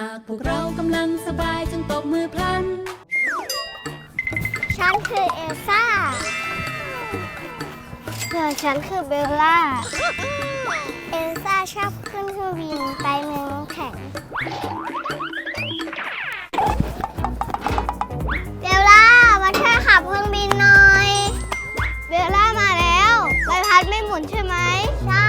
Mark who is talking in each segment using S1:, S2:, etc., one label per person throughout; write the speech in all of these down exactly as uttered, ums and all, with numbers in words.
S1: ากพวกเรากำลังสบายจงตบมือพลัน
S2: ฉันคือเอลซ่าส่วนฉันคือเบลล่าเอลซ่าชอบขึ้นเครื่องบินไปเมืองน้ำแข็งเบลล่ามาช่วยขับเครื่องบินหน่อยเบลล่ามาแล้วใบพัดไม่หมุนใช่ไหมใช่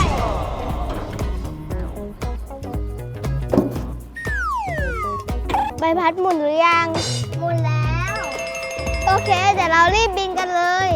S2: ใบพัดหมุนหรือยังหมุนแล้วโอเคเดี๋ยวเรารีบบินกันเลย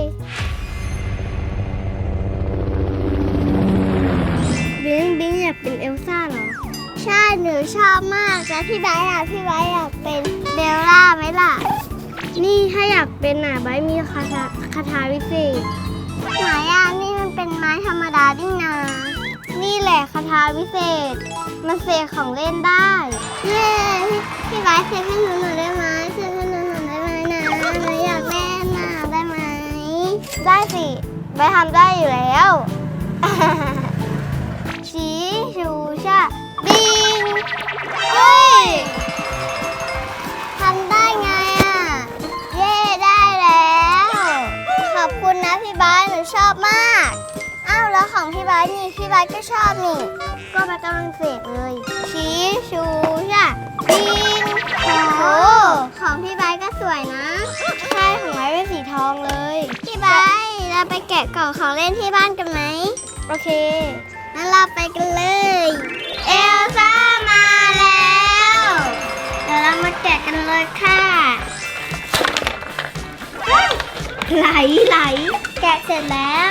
S2: บิงบิงอยากเป็นเอลซ่าเหรอใช่หนูชอบมากแต่พี่ไบร์ทอ่ะพี่ไบร์ทอยากเป็นเบลล่าไหมล่ะนี่ถ้าอยากเป็นอ่ะไบร์ทมีคาถาคาถาวิเศษไหนอ่ะนี่มันเป็นไม้ธรรมดาดิ้งนานี่แหละคาถาวิเศษมันเสกของเล่นได้เย้พี่พี่ไบร์ทเสกให้หนูหน่อยได้ไหมเสกให้หนูหน่อยได้ไหมนะหนูอยากเล่นน่ะได้ไหมได้สิไบร์ททำได้อยู่แล้วชีชูชาบิงเฮ้ยทำได้ไงอ่ะเย่ได้แล้วขอบคุณนะพี่ไบร์ทหนูชอบมากอ้าวแล้วของพี่ไบร์ทนี่พี่ไบร์ทก็ชอบนี่ก็ไปกำลังเสกเลยชีชูชาบิงโอ้ของพี่ไบร์ทก็สวยนะใช่ของไบร์ทเป็นสีทองเลยพี่ไบร์ทเราไปแกะกล่องของเล่นที่บ้านกันไหมโอเคงั้นเราไปกันเลยเอลซ่ามาแล้วเดี๋ยวเรามาแกะกันเลยค่ะไหลไหลแกะเสร็จแล้ว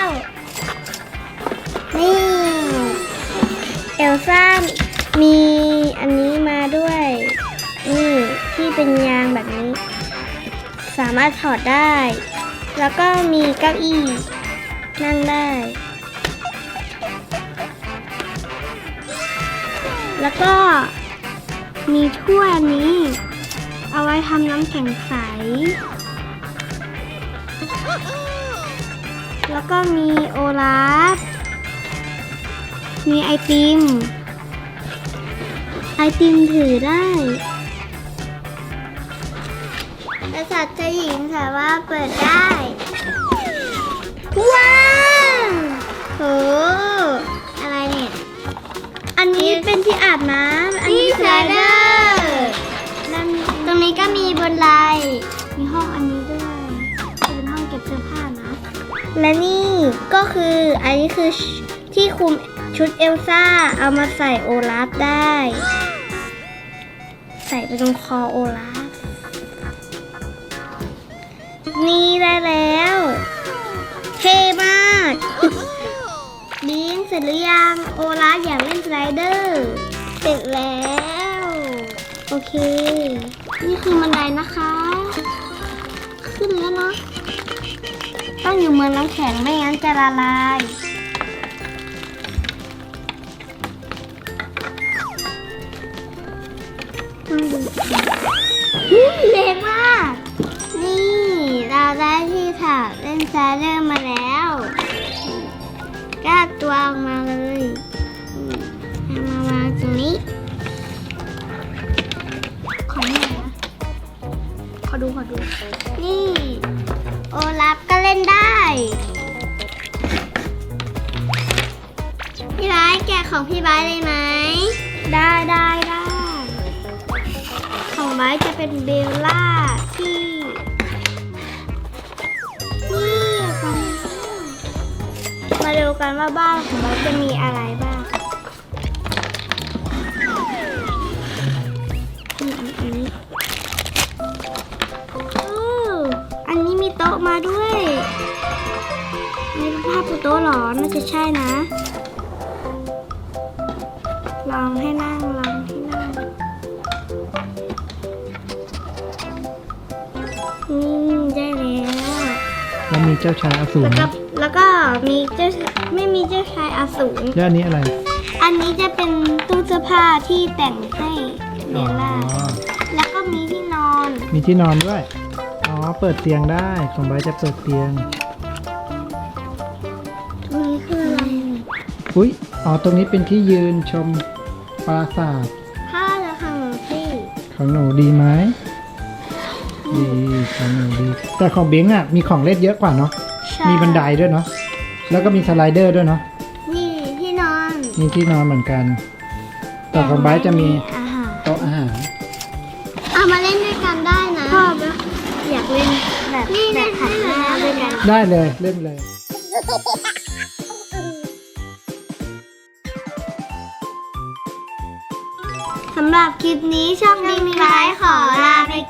S2: นี่เอลซ่ามีอันนี้มาด้วยนี่ที่เป็นยางแบบนี้สามารถถอดได้แล้วก็มีเก้าอี้นั่งได้แล้วก็มีถ้วยนี้เอาไว้ทำน้ำแข็งใสแล้วก็มีโอลาฟมีไอติมไอติมถือได้แต่สัตว์จะหญิงสามารถเปิดได้ว้าวโหอะไรเนี่ยอันนี้เป็นที่อาบน้ำอันนี้สไลเดอร์ตรงนี้ก็มีบนไดมีห้องอันนี้ด้วยเป็นห้องเก็บเสื้อผ้านะและนี่ก็คืออันนี้คือที่คลุมชุดเอลซ่าเอามาใส่โอลาฟได้ใส่ไปตรงคอโอลาฟนี่ได้แล้วเท่มากบิงเสร็จหรือยังโอลาฟอยากเล่นสไลเดอร์เสร็จแล้วโอเคนี่คือบันไดนะคะขึ้นแล้วเนาะต้องอยู่เมืองน้ำแข็งไม่งั้นจะละลายเล็กมากนี่เราได้ที่ถาเล่นสไลเดอร์มาแล้วก็ตัวออกมาเลยเอามาวางตรงนี้ขอหน่อยนะขอดูขอดูนี่โอลาฟก็เล่นได้พี่ไบร์ทแกะของพี่ไบร์ทเลยไหมได้ได้ได้ของไบร์ทจะเป็นเบลล่าที่นี่มาดูกันว่าบ้านของไบร์ทจะมีอะไรบ้างนี่อันนี้อันนี้มีโต๊ะมาด้วยนี่เป็นภาพโต๊ะหรอน่าจะใช่นะลองให้นั่งลองให้นั่งนี่ได้แล้ว
S3: แล้วมีเจ้าชายอสูร
S2: แล้วก็แล้วก็มีเจ้าไม่มีเจ้าชายอสูร
S3: แล้วอันนี้อะไร
S2: อันนี้จะเป็นตู้เสื้อผ้าที่แต่งให้เบลล่าแล้วก็มีที่นอน
S3: มีที่นอนด้วยอ๋อเปิดเตียงได้ของไบร์ทจะเปิดเตียง
S2: ตรงนี้คืออะไร
S3: อุ้ยอ๋อตรงนี้เป็นที่ยืนชมปราสาท
S2: ถ้าจะทาง
S3: ของหนูดีไหมดีของหนูดีแต่ของบิงอ่ะมีของเล่นเยอะกว่าเนาะ
S2: ใช่
S3: มีบันไดด้วยเนาะแล้วก็มีสไลเดอร์ด้วยเนาะ
S2: นี่ที่นอน
S3: มีที่นอนเหมือนกันแต่ของไบร์ทจะมี
S2: อาหาร
S3: โต๊ะอาหาร
S2: เอามาเล่นด้วยกันได้นะชอบนะอยากเล่นแบบแบบหันหน้าด้วยกัน
S3: ได้เลยเล่นเลย
S2: สำหรับคลิปนี้ช่องบิงไลฟ์ขอลาไป